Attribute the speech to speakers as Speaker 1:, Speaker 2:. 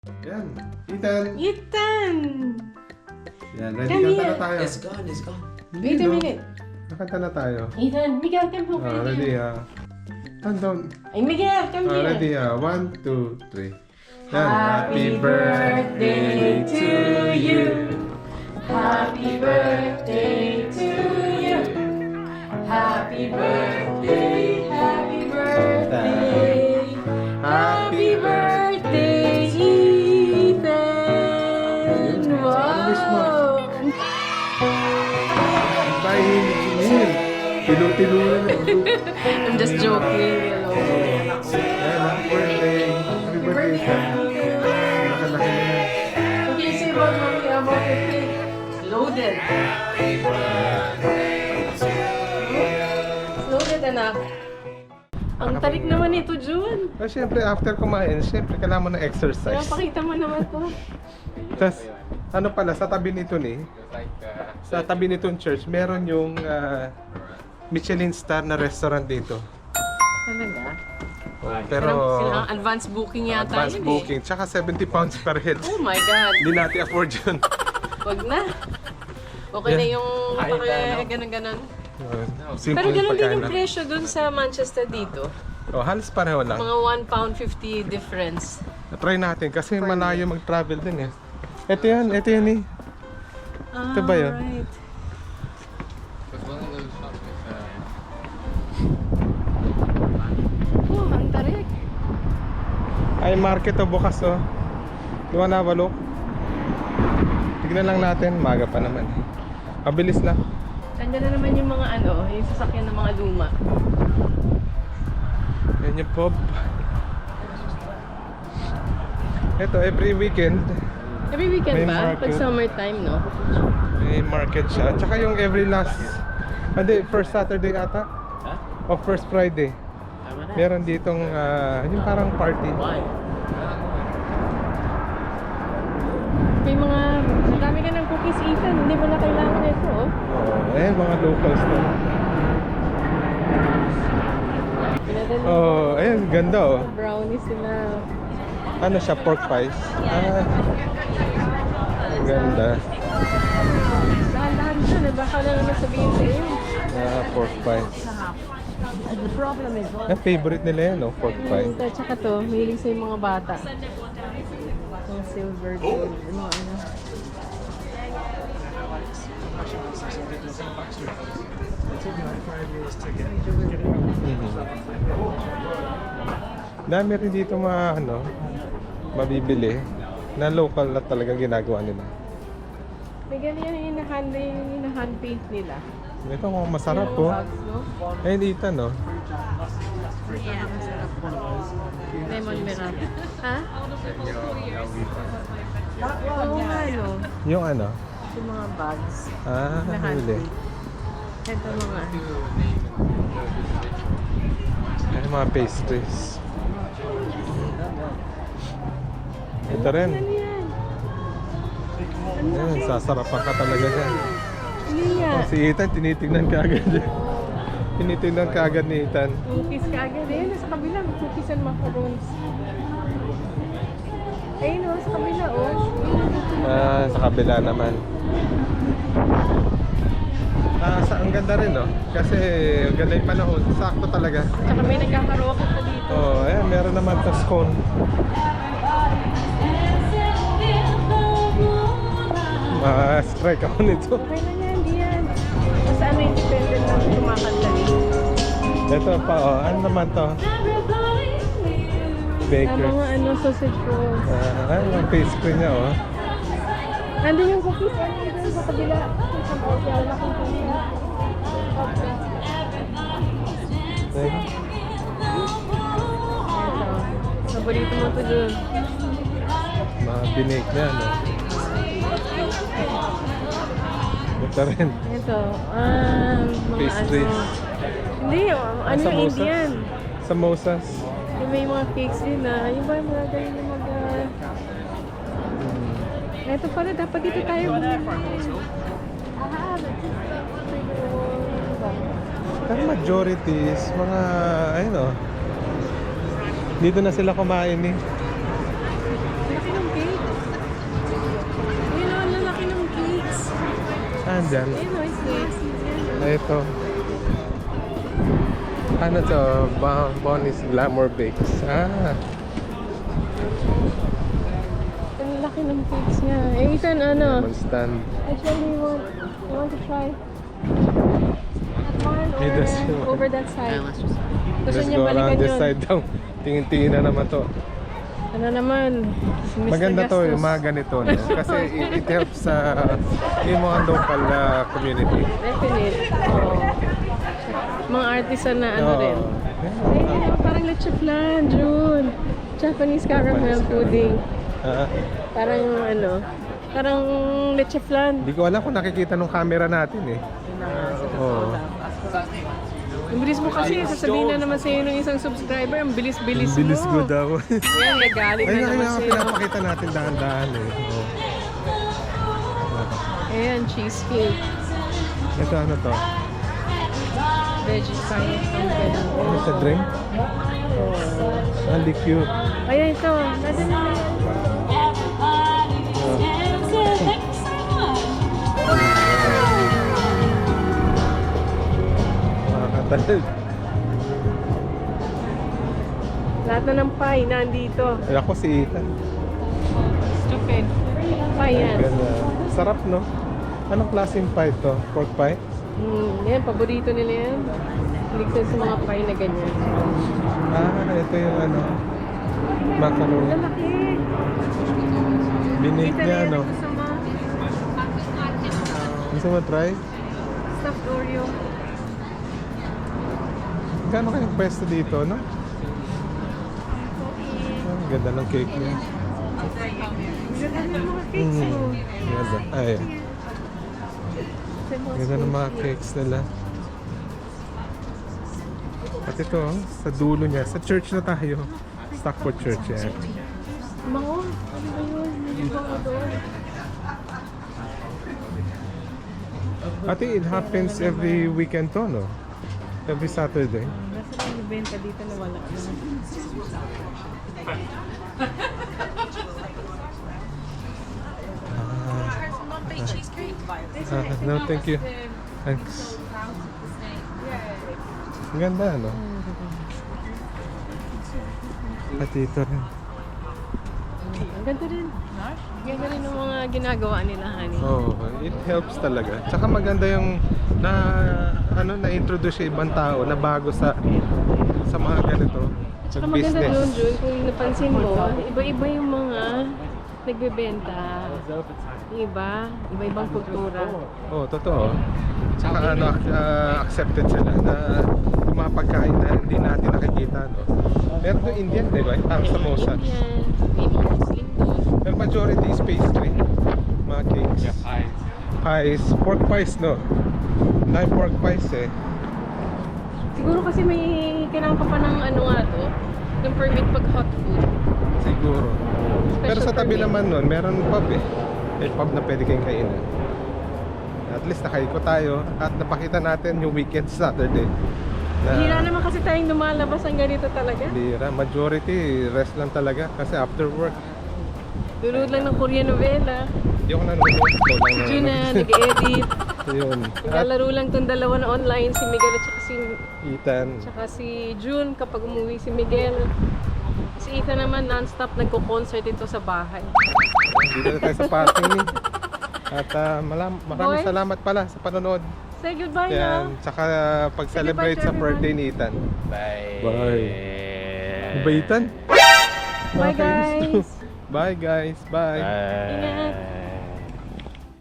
Speaker 1: Yan. Ethan.
Speaker 2: Ethan!
Speaker 1: Yan, ready
Speaker 2: Come
Speaker 1: kanta
Speaker 2: here.
Speaker 1: na tayo.
Speaker 3: It's gone, it's gone.
Speaker 2: Wait a minute.
Speaker 1: Nakanta na tayo.
Speaker 2: Ethan, Miguel, come home.
Speaker 1: Ready Countdown.
Speaker 2: Ay, Miguel, come here.
Speaker 1: Ready 1, 2, 3.
Speaker 2: Happy birthday to you. Happy birthday to you. Happy birthday, happy birthday. Happy birthday, Ethan. Wow.
Speaker 1: Bye, Neil. Tilo-tilo na.
Speaker 2: I'm just joking.
Speaker 1: Yan, happy birthday. Happy birthday, Ethan. Nakalaki na yan.
Speaker 2: Okay, say about mommy about the cake. Loaded. Loaded, anak. Ang tarik naman ito, June.
Speaker 1: Siyempre, after kumain, siyempre, kailangan mo ng
Speaker 2: Kaya
Speaker 1: exercise.
Speaker 2: pakita mo naman to.
Speaker 1: Tapos, ano pala, sa tabi nito sa tabi nitong church, meron yung Michelin star na restaurant dito.
Speaker 2: Talaga?
Speaker 1: Pero,
Speaker 2: Silang advance booking yata
Speaker 1: advance
Speaker 2: yun
Speaker 1: booking. Tsaka 70 pounds per head.
Speaker 2: Oh my God.
Speaker 1: Hindi natin afford yun.
Speaker 2: Wag na. Okay na yung ganun-ganun.
Speaker 1: Simple
Speaker 2: Pero ganun din yung
Speaker 1: pagkain.
Speaker 2: presyo dun sa Manchester dito.
Speaker 1: Halos pareho lang.
Speaker 2: Mga £1.50 difference.
Speaker 1: Try natin kasi malayo mag-travel din eh. Ito yan eh. Ito ba yun?
Speaker 2: Right. Oh, ang tarik.
Speaker 1: Ay, market to bukas oh. Di ba nabalok? Tignan lang natin, maga pa naman. Mabilis lang.
Speaker 2: Andiyan na naman yung mga yung sasakyan ng mga luma.
Speaker 1: Yan yung pub. Ito, every weekend
Speaker 2: Every weekend
Speaker 1: May
Speaker 2: ba?
Speaker 1: market.
Speaker 2: Pag summertime, no?
Speaker 1: may market siya. Tsaka yung every last, first Saturday ata? O first Friday. Meron ditong, yung parang party.
Speaker 2: May mga, marami ka ng cookies, Ethan. Hindi mo na kailangan ito, oh.
Speaker 1: Mga locals to.
Speaker 2: Pinadala
Speaker 1: Ayan, ganda oh.
Speaker 2: brownies sila.
Speaker 1: Ano siya, pork pies? Ganda.
Speaker 2: Dahan-dahan dyan, baka na naman sabihin sa iyo.
Speaker 1: Pork pies.
Speaker 2: The problem is,
Speaker 1: Favorite nila yan, no? Pork pie.
Speaker 2: tsaka to, mahilig sa yung mga bata. Yung silver gold, ano.
Speaker 1: Dami rin dito mabibili na local na talagang ginagawa nila.
Speaker 2: May ganyan yung hand paint nila.
Speaker 1: Ito masarap po.
Speaker 2: Bags, no?
Speaker 1: Ayun dito, no?
Speaker 2: Yeah, masarap. Lemon mirab. Ha? Oo nga, no?
Speaker 1: Yung ano?
Speaker 2: Yung mga bags.
Speaker 1: Huli.
Speaker 2: Ito mga.
Speaker 1: Ay, mga pastries. Ito rin.
Speaker 2: Ano yan?
Speaker 1: Ayun, sasarapan ka talaga dyan.
Speaker 2: Hindi nga.
Speaker 1: Si Ethan, tinitignan ka agad. Tinitignan ka agad ni Ethan.
Speaker 2: Cookies ka agad. Ayun, nasa kabila. Cookies and macarons. Ayun, sa kabila, oh.
Speaker 1: Sa kabila naman. Ang ganda rin, no? Kasi ganda yung panahon. Sakto talaga.
Speaker 2: Tsaka may nagkakaroke pa dito.
Speaker 1: Ayan, meron naman sa scone. Strike ako nito.
Speaker 2: Okay na yan, di yan. Basta independent lang kumakanta eh.
Speaker 1: Ito pa, ano naman to? Baker.
Speaker 2: Mga sausage rolls.
Speaker 1: Yung pastry niya, oh.
Speaker 2: Nandun yung cookies, doon sa kabila. Sa kaya laking cookies. Paborito mo to dun.
Speaker 1: Mga binake na, no? Ito rin.
Speaker 2: Ito, mga
Speaker 1: Pastries.
Speaker 2: Hindi, ano yung Indian.
Speaker 1: Samosas.
Speaker 2: Yung may mga cakes din na. Yung ba yung mga ganyan na Ito pala, dapat dito tayo.
Speaker 1: Pero majority is mga, ayun, oh. Dito na sila kumain, eh.
Speaker 2: Laki ng
Speaker 1: dyan.
Speaker 2: Ayun, no, it's nice.
Speaker 1: Ito. Ano to? Bonnie's Glamour Bakes.
Speaker 2: Ang laki ng cakes niya. Eh, Ethan, ano?
Speaker 1: Lemon stand.
Speaker 2: Actually, you want to try that one
Speaker 1: He does.
Speaker 2: or over that side? Gusto
Speaker 1: Let's
Speaker 2: niya
Speaker 1: go around
Speaker 2: balikan
Speaker 1: this
Speaker 2: yun.
Speaker 1: side daw. Tingin-tingin na naman to.
Speaker 2: Ano naman? Si Mr.
Speaker 1: Maganda to
Speaker 2: Gastos.
Speaker 1: yung mga ganito, no? Kasi it helps sa yung mga local community.
Speaker 2: Definite. Oo. Mga artisan na ano rin. Eh, parang leche flan, June. Japanese caramel
Speaker 1: Japanese
Speaker 2: pudding.
Speaker 1: Ah,
Speaker 2: Parang ano, parang leche flan.
Speaker 1: Hindi ko alam kung nakikita nung camera natin eh. Oo.
Speaker 2: Ang bilis mo kasi, sasabihin na naman sa'yo ng isang subscriber, ang bilis-bilis mo.
Speaker 1: Bilis ko daw.
Speaker 2: Yan, nagalit na
Speaker 1: Ayun
Speaker 2: naman
Speaker 1: nga
Speaker 2: sa'yo.
Speaker 1: pinapakita natin dahan-dahan eh. Oo.
Speaker 2: Ayan, cheesecake.
Speaker 1: Ito ano to?
Speaker 2: Veggie pie.
Speaker 1: Ano sa drink? Hindi cute.
Speaker 2: Ayan, ito. Nandun na yan.
Speaker 1: Makakatalad.
Speaker 2: Lahat na ng pie nandito.
Speaker 1: Ay, ako si Ethan.
Speaker 2: Stupid. Pie yan.
Speaker 1: Ganda. Sarap no? Anong klaseng pie to? Pork pie?
Speaker 2: Yan, paborito nila yan. Ligtas sa mga pie na ganyan.
Speaker 1: Ito yung ano. Macaroni.
Speaker 2: Lalaki.
Speaker 1: Binake
Speaker 2: Kita
Speaker 1: niya
Speaker 2: na yan,
Speaker 1: no?
Speaker 2: gusto mo.
Speaker 1: Gusto mo try?
Speaker 2: Stuffed Oreo.
Speaker 1: Gano'n kayong pwesto dito, no? Ang ganda ng cake niya.
Speaker 2: Ganda ng mga cakes mo.
Speaker 1: Ganda. Ay, ganda ng mga cakes nila. At ito, sa dulo niya, sa church na tayo. Stockport Church yan.
Speaker 2: Mango? Ano ba yun? Hindi ba ako doon?
Speaker 1: Ate, it happens every weekend to, no? Every Saturday.
Speaker 2: Nasa lang yung benta dito na wala na.
Speaker 1: No, thank you. Thanks. Ang ganda, no? At dito rin.
Speaker 2: Ang ganda rin. Ganda rin ng mga ginagawa nila, honey.
Speaker 1: Oh, it helps talaga. Tsaka maganda yung na-introduce sa ibang tao na bago sa mga ganito.
Speaker 2: Tsaka
Speaker 1: Sa
Speaker 2: maganda
Speaker 1: business.
Speaker 2: doon, Jun, kung napansin mo, iba-iba yung mga nagbebenta. Yung iba, iba-ibang kultura.
Speaker 1: Oh, totoo. Tsaka accepted sila na yung mga pagkain na hindi natin nakikita, no? Meron doon Indian, di ba? Parang samosa.
Speaker 2: Indian, may mga Muslim doon.
Speaker 1: Pero majority is pastry. Mga cakes. Pies. Pork pies, no? Dahil pork pies eh.
Speaker 2: Siguro kasi may kailangan ka pa ng ano nga to, yung permit pag hot food.
Speaker 1: Siguro. Pero sa tabi
Speaker 2: permit.
Speaker 1: naman nun, meron pub eh. May pub na pwede kayong kainan. At least nakaiko tayo at napakita natin yung weekend Saturday.
Speaker 2: Hira naman kasi tayong lumalabas ang ganito talaga.
Speaker 1: Bira. Majority, rest lang talaga. Kasi after work,
Speaker 2: Lulod lang ng Korean novela.
Speaker 1: hindi ako nanonood. Ikaw lang
Speaker 2: Jun na,
Speaker 1: nanonood.
Speaker 2: nag-edit.
Speaker 1: Yun. At
Speaker 2: Naglalaro lang tong dalawa na online, si Miguel at
Speaker 1: Ethan.
Speaker 2: si June kapag umuwi si Miguel. Si Ethan naman non-stop nagko-concert dito sa bahay.
Speaker 1: Dito na tayo sa parking. At maraming
Speaker 2: Boy.
Speaker 1: salamat pala sa panonood.
Speaker 2: Say goodbye na.
Speaker 1: Yan. Tsaka pag-celebrate
Speaker 2: Say
Speaker 1: sa
Speaker 2: goodbye to
Speaker 1: birthday ni Ethan.
Speaker 3: Bye.
Speaker 1: Bye. Bye, Ethan?
Speaker 2: Bye guys.
Speaker 1: Bye guys. Bye.
Speaker 3: Bye.
Speaker 2: Ingat.